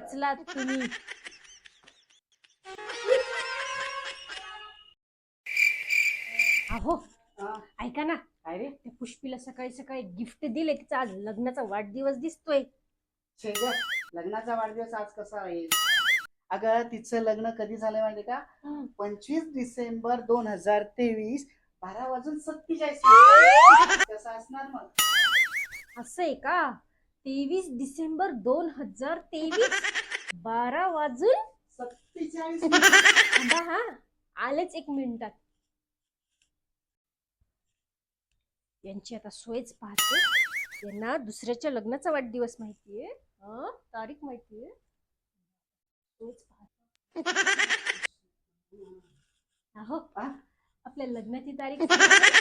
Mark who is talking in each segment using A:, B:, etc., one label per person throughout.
A: वाचलात तुम्ही. अहो
B: हा,
A: ऐका ना,
B: काय रे?
A: त्या पुष्पीला सकाळी सकाळी गिफ्ट दिले, तिचा आज लग्नाचा वाढदिवस दिसतोय.
B: छे ग, लग्नाचा वाढदिवस आज कसा राहील? अगं तिचं लग्न कधी झालं माहिती का? 25 डिसेंबर 2023, 12:47 कसं असणार मग?
A: असं आहे का? 23 डिसेंबर 2023,
B: 47.
A: थांबा हा, आलेच एक मिनिटात. यांची आता सोयच पाहते. यांना दुसऱ्याच्या लग्नाचा वाढदिवस माहितीये, तारीख माहितीये. सोयच पाहते. अहो
B: हा?
A: आपल्या लग्नाची तारीख सांगा ना.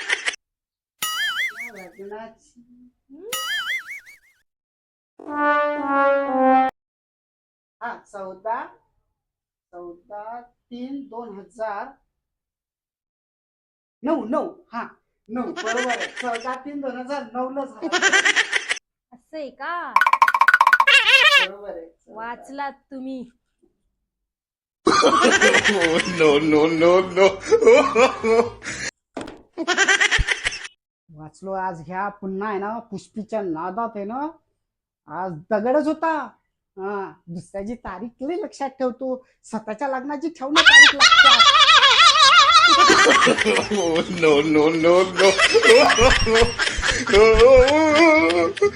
B: लग्नाची
A: हं?
B: हा 14/3/2009. हा 9 बरोबर आहे. 14/3/2009 ला झाला.
A: असं आहे का?
B: बरोबर आहे.
A: वाचलात तुम्ही.
C: No, no, no, no.
B: वाचलो आज. ह्या पुन्हा आहे ना पुष्पीच्या नादात आहे ना, आज दगडच होता. हा, दुसऱ्याची तारीख लई लक्षात ठेवतो, स्वतःच्या लग्नाची ठेवणं तारीख लक्षात.
C: No, no, no, no.